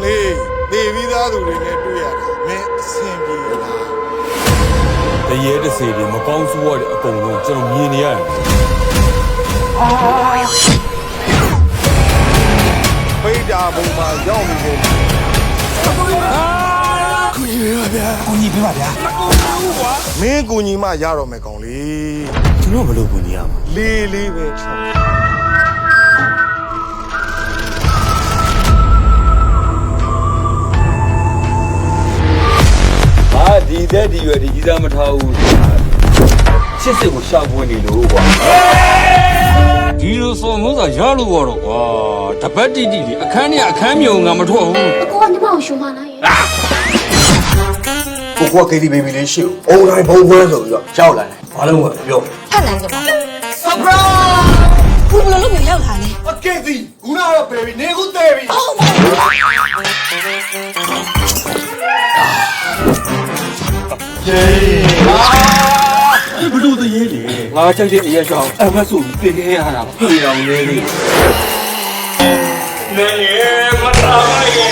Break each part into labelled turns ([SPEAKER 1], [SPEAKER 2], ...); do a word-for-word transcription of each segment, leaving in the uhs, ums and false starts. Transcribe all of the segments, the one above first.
[SPEAKER 1] လေးသေပြီးသားသူတွေနဲ့တွေ့ရတာမင်းအဆင်ပြေလားတရေတစေတွေမကောင်းဆိုးရတဲ့အကုန်လုံးကျွန်တော်မြင်နေရတယ်ပိတ်တာဘုံမှာရောက်နေတယ်ကူညီပေးပါဗျာကူညီပေးပါဗျာမင်းကူညီမှရတော့မယ်ကောင်လေးကျွန်တော်ဘယ်လိုကူညီရမှာလေးလေးပဲချုံအာဒီတဲ့ဒီရွယ်ဒီကြီးစားမထားဘူးချစ်စစ်ကိုရှောက်ပွင့်နေလို့ကွာဒီလိုစော်မိုးသာရလို့တော့ကွာတပတ်တိတိလေးအခန်းနဲ့အခန်းမြုံငါမထွက်ဘူး
[SPEAKER 2] အကိုကညီမကိုရှုံးမလားရဲ့
[SPEAKER 1] ကိုကကေတီဘေဘီလေးရှိဦးအုံတိုင်းဘုံခွဲဆိုပြီးတော့ရောက်လာတယ်ဘာလို့လဲပြော
[SPEAKER 2] ထပ်လမ်းကြပါဆပ်ပရာဘူးဘယ်လိုလုပ်ပြီးရောက်လာလဲ
[SPEAKER 1] အကေတီခုနကတော့ဘေဘီနေခုသေးပြီ
[SPEAKER 2] အော်
[SPEAKER 1] ယေဘလို့တည်းလေငါချိုက်တဲ့အရက်ရှောင်းအမဆိုပြီးပြင်ခဲ့ရတာပြေအောင်လေးလေးနေလေမတော်ပါရဲ့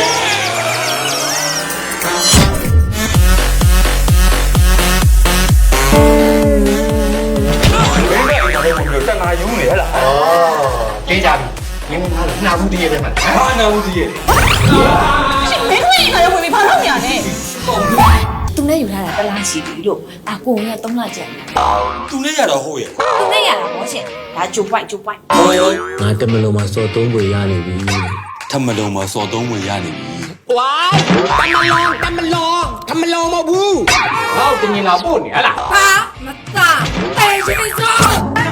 [SPEAKER 1] တနာယုံနေဟလားအော်တေးကြပြီမင်းကလည်းနှာဘူးတည်းရဲ့မှာဟာနှာဘူးတည်းရဲ့
[SPEAKER 2] မင်းဝင်ခါရောက်ဝင်ဘာလုပ်နေရလဲသူနဲ့ယူထားတာတလားရှိပြီလို့အကိုကသုံးလကျန်
[SPEAKER 1] သူနဲ့ရတော့ဟုတ်ရဲ့
[SPEAKER 2] သူနဲ့ရတာဘောရှင်ဒါဂျိုပွိုက်ဂျိုပွိုက်
[SPEAKER 3] ငါတမလုံးမှာစော်သုံးပွေရနေပြီ
[SPEAKER 1] ထမလုံးမှာစော်သုံးပွေရနေပြီ
[SPEAKER 4] ဝိုင်းတမလုံးတမလုံးတမလုံးမဟုတ်ဘူးဟောတင်ရင်လာပို့နေဟလား
[SPEAKER 2] ဟာမသားအဲရှိစော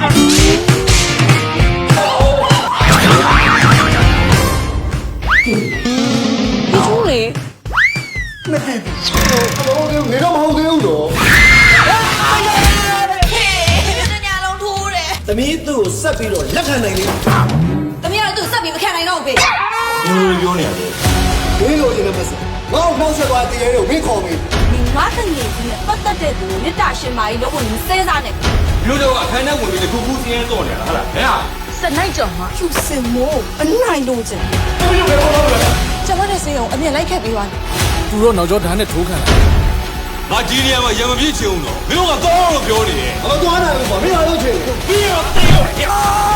[SPEAKER 2] ဘူးလေ
[SPEAKER 1] နှစ်ကီအလုံးလေးနေတော့မဟုတ်သေးဘူးတော့
[SPEAKER 4] သမီးသူ့ကိုဆက်ပြီးတော့လက်ခံနိုင်လေ
[SPEAKER 2] သမီးကသူ့ဆက်ပြီးမခံနိုင်တော့ဘူးဖေ
[SPEAKER 1] ဘယ်လိုပြောနေရလဲ
[SPEAKER 4] မင်းလိုချင်တဲ့မစငါ့ကိုနှောက်ဆက်သွားတည်ရဲတော့မင်းခေါ်မေး
[SPEAKER 2] ဒီငါတငယ်ကြီးနဲ့ပတ်သက်တဲ့သူမြတ်တာရှင်မာကြီးလို့ဝင်စဲစားနေ
[SPEAKER 1] လူတို့အခန်းထဲဝင်ပြီးတခုခုစင်းရဲတော့နေတာဟုတ်လားဟဲ့ဟာ
[SPEAKER 2] စနိုင်ကြော်မှာကျူစင်မိုးအနိုင်လို့ချင်ကျွန်မနဲ့စင်းအောင်အမြင်လိုက်ခဲ့ပြီးသွားတယ်
[SPEAKER 3] သူတို့နောက်ကျောဓာတ်နဲ့ထိုးခံလာ
[SPEAKER 1] ငါကြီးနေရာမှာရံမပြည့်ချင်အောင်တော့မင်းတို့ကတော့လို့ပြောနေတယ်
[SPEAKER 4] အမသွားနိုင်ဘူးကွာမင်းအားလုံးချင်
[SPEAKER 1] ပြီးတော့တေးရော